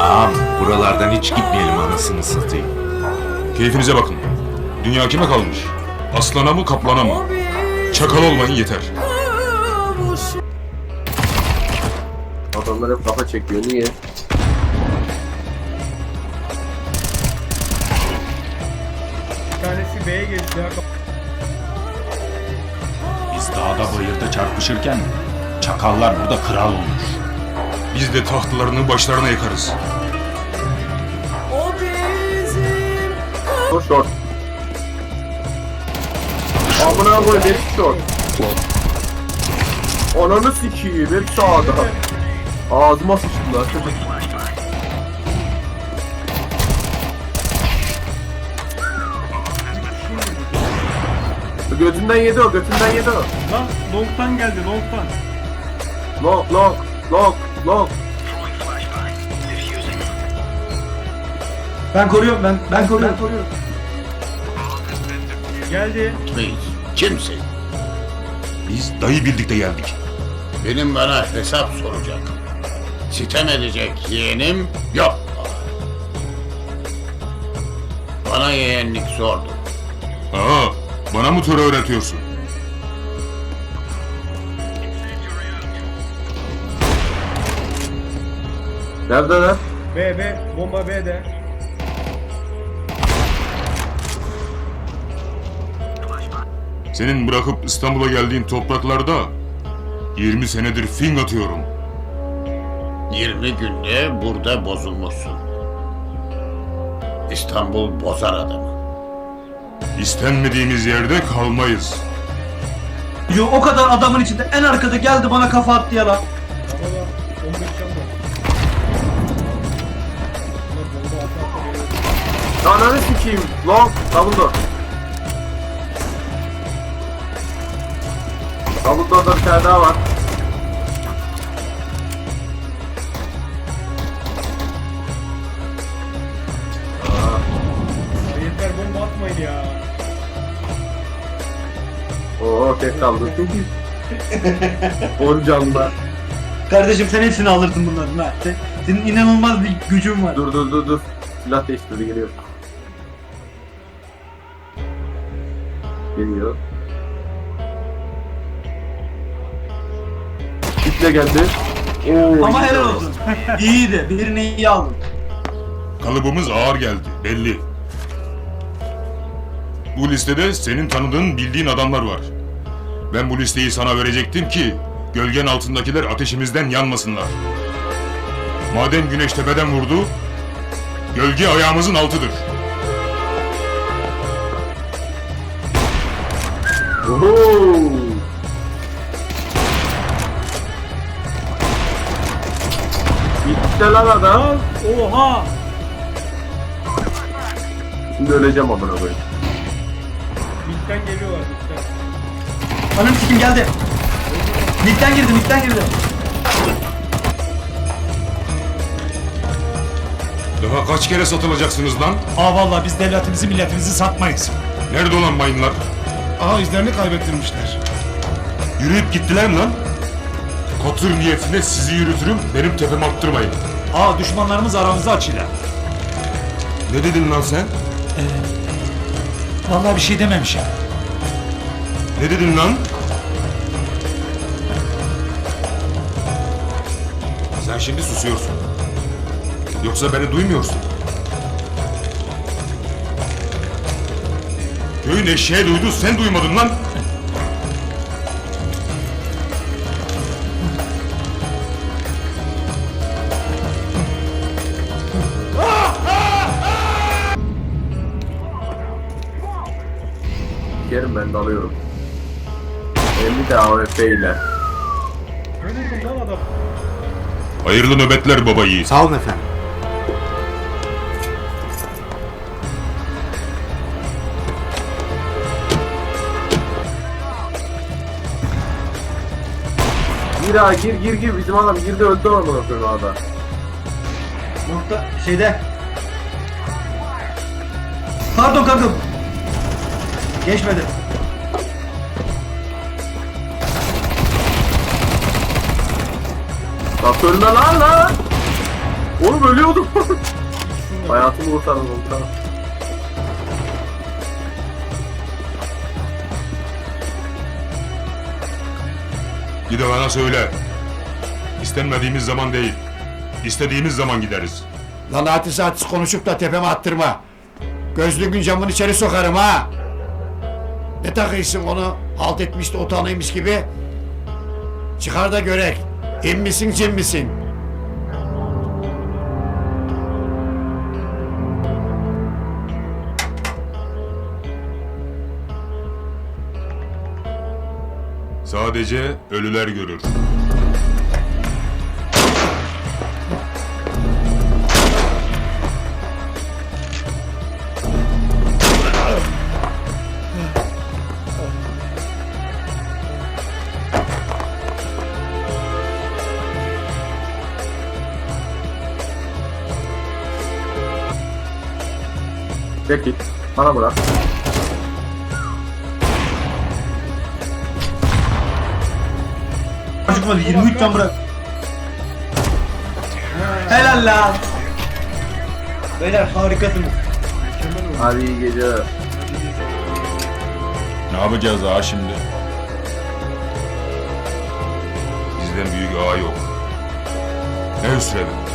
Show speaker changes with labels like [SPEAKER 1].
[SPEAKER 1] Ağam buralardan hiç gitmeyelim anasını satayım.
[SPEAKER 2] Keyfinize bakın. Dünya kime kalmış? Aslana mı kaplana mı? Çakal olmayın yeter.
[SPEAKER 3] Adamlar hep kafa çekiyor. Niye?
[SPEAKER 4] Bir tanesi B'ye geçti ya.
[SPEAKER 5] Biz dağda bayırda çarpışırken çakallar burada kral olmuş.
[SPEAKER 2] Biz de tahtlarını başlarına yakarız.
[SPEAKER 3] O short. Amına koy hep short. Ananı sikiyim hep sağda. Ağzıma sıçtılar. Götünden yedi o, götünden yedi o.
[SPEAKER 4] Lan long'tan geldi long'tan.
[SPEAKER 3] Long, long, long, long.
[SPEAKER 6] Ben koruyorum ben koruyorum.
[SPEAKER 4] Geldi.
[SPEAKER 7] Reis, kimsin?
[SPEAKER 2] Biz dayı bildik de geldik.
[SPEAKER 7] Benim bana hesap soracak. Sitem edecek yeğenim yok. Bana yeğenlik sordu.
[SPEAKER 2] Aa, bana mı töre öğretiyorsun?
[SPEAKER 3] Neredeler?
[SPEAKER 4] B bomba B'de.
[SPEAKER 2] Senin bırakıp İstanbul'a geldiğin topraklarda 20 senedir fing atıyorum.
[SPEAKER 7] 20 günde burada bozulmuşsun. İstanbul bozar adamı.
[SPEAKER 2] İstenmediğimiz yerde kalmayız.
[SPEAKER 6] Yo, o kadar adamın içinde en arkada geldi bana kafa attı ya lan.
[SPEAKER 4] Ama da 15 can var. Bunlar bomba atı
[SPEAKER 3] Ananı sikiyim. Long, double door. Double door'da bir tane daha var.
[SPEAKER 4] Yeter bomba atmayın ya.
[SPEAKER 3] Oo tek kaldı. 10 canlı.
[SPEAKER 6] Kardeşim sen hepsini alırsın bunların ha. Senin inanılmaz bir gücün var.
[SPEAKER 3] Dur. Silah değiştirdi geliyor. Geliyor. Kitle geldi. Oo,
[SPEAKER 6] Ama
[SPEAKER 3] iyi
[SPEAKER 6] helal
[SPEAKER 3] oldu.
[SPEAKER 6] olsun. İyiydi. Birini iyi aldın.
[SPEAKER 2] Kalıbımız ağır geldi, belli. Bu listede senin tanıdığın, bildiğin adamlar var. Ben bu listeyi sana verecektim ki gölgen altındakiler ateşimizden yanmasınlar. Madem güneş tepeden vurdu, gölge ayağımızın altıdır.
[SPEAKER 3] Oho! Bitti lan adam.
[SPEAKER 4] Oha!
[SPEAKER 3] Şimdi öleceğim amına koyayım.
[SPEAKER 4] Mid'den geliyorlar mid'den.
[SPEAKER 6] Anam sikim geldi. Mid'den girdi.
[SPEAKER 2] Daha kaç kere satılacaksınız lan?
[SPEAKER 5] Aa vallahi biz devletimizi milletimizi satmayız.
[SPEAKER 2] Nerede olan mayınlar?
[SPEAKER 5] Aa izlerini kaybettirmişler.
[SPEAKER 2] Yürüyüp gittiler mi lan? Katır niyetine sizi yürütürüm, benim tepeme attırmayın.
[SPEAKER 5] Aa düşmanlarımız aramızda açıyla.
[SPEAKER 2] Ne dedin lan sen?
[SPEAKER 5] Vallahi bir şey dememişim.
[SPEAKER 2] Ne dedin lan? Sen şimdi susuyorsun. Yoksa beni duymuyorsun. Köyün eşeği duydu, sen duymadın lan.
[SPEAKER 3] Yerim ben de alıyorum. 50 de AWP ile.
[SPEAKER 4] Ne vurdum lan adam?
[SPEAKER 2] Hayırlı nöbetler baba yiğit.
[SPEAKER 1] Sağ olun efendim.
[SPEAKER 3] Gir bizim adam girdi öldü amına koyayım ada.
[SPEAKER 6] Nokta şeyde. Pardon kanka. Geçmedi.
[SPEAKER 3] Bak ölme lan. Oğlum ölüyordum. Hayatımı kurtardım komutanım.
[SPEAKER 2] Gide bana söyle. İstenmediğimiz zaman değil, istediğimiz zaman gideriz.
[SPEAKER 8] Lan hadis konuşup da tepeme attırma. Gözlüğün camını içeri sokarım ha. Ne takıyorsun onu halt etmiş de utanıymış gibi? Çıkar da görek. İn misin cin misin?
[SPEAKER 2] Sadece ölüler görür.
[SPEAKER 3] Peki. Bana bırak.
[SPEAKER 6] Çıkmadı 23 can bırak. Helal lan. Beyler harikasınız.
[SPEAKER 3] Hadi iyi geceler.
[SPEAKER 5] Ne yapacağız ağa şimdi?
[SPEAKER 2] Bizden büyük ağa yok. Ne üstledim?